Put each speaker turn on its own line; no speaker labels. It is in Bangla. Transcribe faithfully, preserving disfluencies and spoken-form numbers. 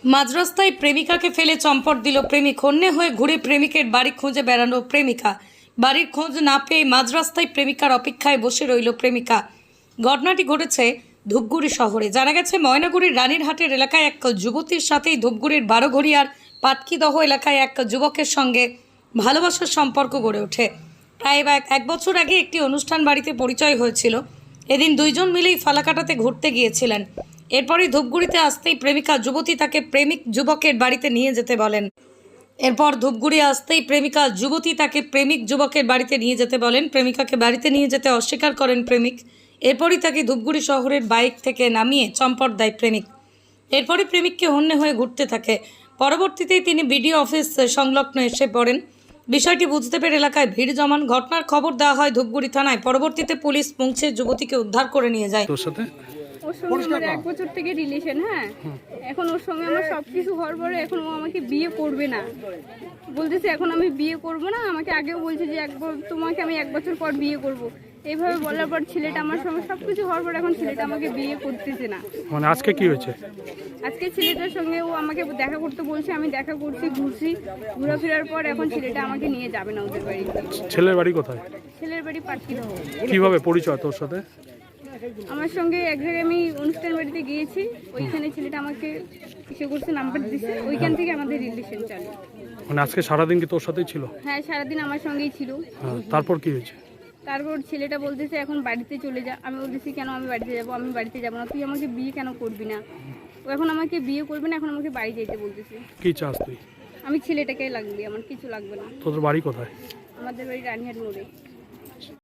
মাঝরাস্তায় প্রেমিকাকে ফেলে চম্পট দিল প্রেমিক। হন্যে হয়ে ঘুরে প্রেমিকের বাড়ি খুঁজে বেড়ানো প্রেমিকা। বাড়ির খোঁজ না পেয়ে মাঝরাস্তায় প্রেমিকার অপেক্ষায় বসে রইল প্রেমিকা। ঘটনাটি ঘটেছে ধূপগুড়ি শহরে। জানা গেছে ময়নাগুড়ির রানীরহাটের এলাকায় এক যুবতীর সাথেই ধূপগুড়ির বারোঘড়িয়ার পাটকিদহ এলাকায় এক যুবকের সঙ্গে ভালোবাসার সম্পর্ক গড়ে ওঠে। প্রায় এক বছর আগে একটি অনুষ্ঠান বাড়িতে পরিচয় হয়েছিল। এদিন দুইজন মিলেই ফালাকাটাতে ঘুরতে গিয়েছিলেন। এরপরই ধূপগুড়িতে আসতেই প্রেমিকা যুবতী তাকে প্রেমিক যুবকের বাড়িতে নিয়ে যেতে বলেন। এরপর ধূপগুড়ি আসতেই প্রেমিকা যুবতী তাকে প্রেমিক যুবকের বাড়িতে নিয়ে যেতে বলেন। প্রেমিকাকে বাড়িতে নিয়ে যেতে অস্বীকার করেন প্রেমিক। এরপরই তাকে ধূপগুড়ি শহরের বাইক থেকে নামিয়ে চম্পট দেয় প্রেমিক। এরপরই প্রেমিককে হন্যে হয়ে ঘুরতে থাকে। পরবর্তীতে তিনি বিডিও অফিস সংলগ্ন এসে পড়েন। বিষয়টি বুঝতে পেরে এলাকায় ভিড় জমান। ঘটনার খবর দেওয়া হয় ধূপগুড়ি থানায়। পরবর্তীতে পুলিশ পৌঁছে যুবতীকে উদ্ধার করে নিয়ে যায়।
তোর সাথে
ওর সঙ্গে আমার এক বছর থেকে রিলেশন। হ্যাঁ, এখন ওর সঙ্গে আমার সব কিছু হওয়ার পরে এখন ও আমাকে বিয়ে করবে না বলতেছে। এখন আমি বিয়ে করব না। আমাকে আগেও বলছে যে এক তোমাকে আমি এক বছর পর বিয়ে করব। এইভাবে বলার পর ছেলেটা আমার সঙ্গে সব কিছু হওয়ার পর এখন ছেলেটা আমাকে বিয়ে করতেছে না।
মানে আজকে কি হয়েছে?
আজকে ছেলেটার সঙ্গে ও আমাকে দেখা করতে বলছে। আমি দেখা করছি, ঘুরছি, ঘোরাফেরার পর এখন ছেলেটা আমাকে নিয়ে যাবে না ওদের বাড়ি।
ছেলের বাড়ি কোথায়?
ছেলের বাড়ি পাটকিদহ।
কিভাবে পরিচয় তোর সাথে?
আমার সঙ্গে এক জায়গায় আমি অনুষ্ঠান বাড়িতে গিয়েছি, ওইখানে ছেলেটা আমাকে এসে করছে, নাম্বার দিছে, ওইখান থেকে আমাদের রিলেশন চালু।
মানে আজকে সারাদিন কি তোর সাথেই ছিল?
হ্যাঁ, সারাদিন আমার সঙ্গেই ছিল।
হ্যাঁ, তারপর কি হয়েছে?
তারপর ছেলেটা বলতেছে এখন বাড়িতে চলে যা। আমি বলতেছি কেন আমি বাড়িতে যাব? আমি বাড়িতে যাব না। তুই আমাকে বিয়ে কেন করবি না? ও এখন আমাকে বিয়ে করবে না, এখন আমাকে বাড়ি যেতে বলতেছে।
কি চাস তুই?
আমি ছেলেটাকে লাগবে, আমার কিছু লাগবে না।
তোদের বাড়ি কোথায়?
আমাদের বাড়ি রানীহাট মোড়ে।